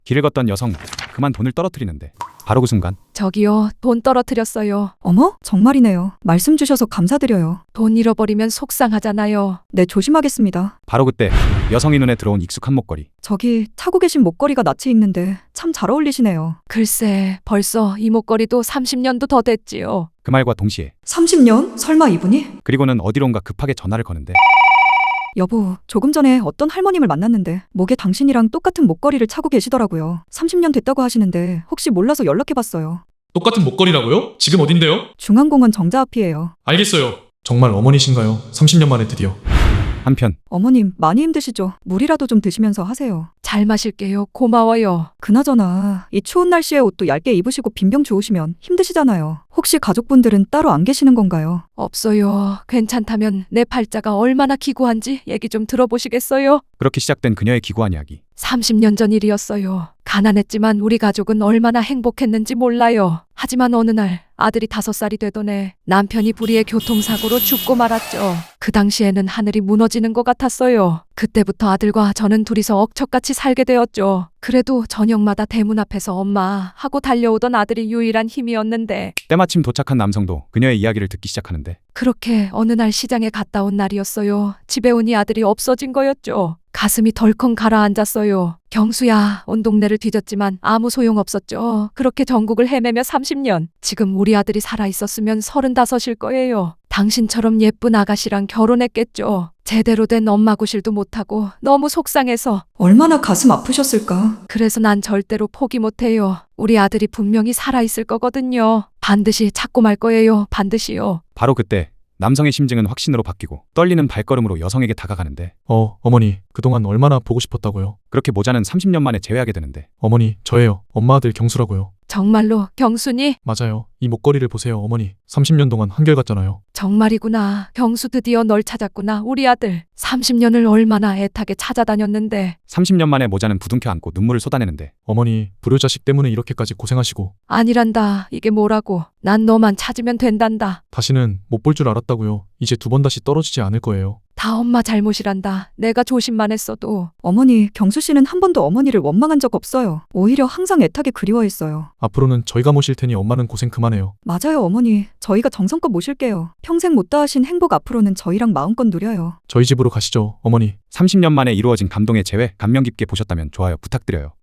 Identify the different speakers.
Speaker 1: 길을 걷던 여성 그만 돈을 떨어뜨리는데 바로 그 순간
Speaker 2: 저기요, 돈 떨어뜨렸어요.
Speaker 3: 어머, 정말이네요. 말씀 주셔서 감사드려요.
Speaker 2: 돈 잃어버리면 속상하잖아요.
Speaker 3: 네, 조심하겠습니다.
Speaker 1: 바로 그때 여성이 눈에 들어온 익숙한 목걸이.
Speaker 3: 저기 차고 계신 목걸이가 낯이 익는데 참 잘 어울리시네요.
Speaker 2: 글쎄, 벌써 이 목걸이도 30년도 더 됐지요.
Speaker 1: 그 말과 동시에
Speaker 3: 30년? 설마 이분이?
Speaker 1: 그리고는 어디론가 급하게 전화를 거는데
Speaker 3: 여보, 조금 전에 어떤 할머님을 만났는데 목에 당신이랑 똑같은 목걸이를 차고 계시더라고요. 30년 됐다고 하시는데 혹시 몰라서 연락해봤어요.
Speaker 4: 똑같은 목걸이라고요? 지금 어딘데요?
Speaker 3: 중앙공원 정자 앞이에요.
Speaker 4: 알겠어요. 정말 어머니신가요? 30년 만에 드디어.
Speaker 1: 한편
Speaker 3: 어머님, 많이 힘드시죠? 물이라도 좀 드시면서 하세요.
Speaker 2: 잘 마실게요. 고마워요.
Speaker 3: 그나저나 이 추운 날씨에 옷도 얇게 입으시고 빈병 주우시면 힘드시잖아요. 혹시 가족분들은 따로 안 계시는 건가요?
Speaker 2: 없어요. 괜찮다면 내 팔자가 얼마나 기구한지 얘기 좀 들어보시겠어요?
Speaker 1: 그렇게 시작된 그녀의 기구한 이야기.
Speaker 2: 30년 전 일이었어요. 가난했지만 우리 가족은 얼마나 행복했는지 몰라요. 하지만 어느 날 아들이 5살이 되던 해 남편이 불의의 교통사고로 죽고 말았죠. 그 당시에는 하늘이 무너지는 것 같았어요. 그때부터 아들과 저는 둘이서 억척같이 살게 되었죠. 그래도 저녁마다 대문 앞에서 엄마 하고 달려오던 아들이 유일한 힘이었는데
Speaker 1: 때마침 도착한 남성도 그녀의 이야기를 듣기 시작하는데
Speaker 2: 그렇게 어느 날 시장에 갔다 온 날이었어요. 집에 오니 아들이 없어진 거였죠. 가슴이 덜컹 가라앉았어요. 경수야, 온 동네를 뒤졌지만 아무 소용없었죠. 그렇게 전국을 헤매며 30년. 지금 우리 아들이 살아있었으면 35일 거예요. 당신처럼 예쁜 아가씨랑 결혼했겠죠. 제대로 된 엄마 구실도 못하고 너무 속상해서.
Speaker 3: 얼마나 가슴 아프셨을까?
Speaker 2: 그래서 난 절대로 포기 못해요. 우리 아들이 분명히 살아있을 거거든요. 반드시 찾고 말 거예요. 반드시요.
Speaker 1: 바로 그때 남성의 심증은 확신으로 바뀌고 떨리는 발걸음으로 여성에게 다가가는데
Speaker 4: 어머니, 그동안 얼마나 보고 싶었다고요.
Speaker 1: 그렇게 모자는 30년 만에 재회하게 되는데
Speaker 4: 어머니, 저예요. 엄마 아들 경수라고요.
Speaker 2: 정말로 경순이?
Speaker 4: 맞아요. 이 목걸이를 보세요, 어머니. 30년 동안 한결같잖아요.
Speaker 2: 정말이구나. 경수 드디어 널 찾았구나. 우리 아들. 30년을 얼마나 애타게 찾아다녔는데.
Speaker 1: 30년 만에 모자는 부둥켜 안고 눈물을 쏟아내는데
Speaker 4: 어머니, 불효자식 때문에 이렇게까지 고생하시고
Speaker 2: 아니란다. 이게 뭐라고. 난 너만 찾으면 된단다.
Speaker 4: 다시는 못 볼 줄 알았다고요. 이제 2번 다시 떨어지지 않을 거예요.
Speaker 2: 다 엄마 잘못이란다. 내가 조심만 했어도.
Speaker 3: 어머니, 경수 씨는 한 번도 어머니를 원망한 적 없어요. 오히려 항상 애타게 그리워했어요.
Speaker 4: 앞으로는 저희가 모실 테니 엄마는 고생 그만해요.
Speaker 3: 맞아요, 어머니. 저희가 정성껏 모실게요. 평생 못 다하신 행복 앞으로는 저희랑 마음껏 누려요.
Speaker 4: 저희 집으로 가시죠, 어머니.
Speaker 1: 30년 만에 이루어진 감동의 재회 감명 깊게 보셨다면 좋아요 부탁드려요.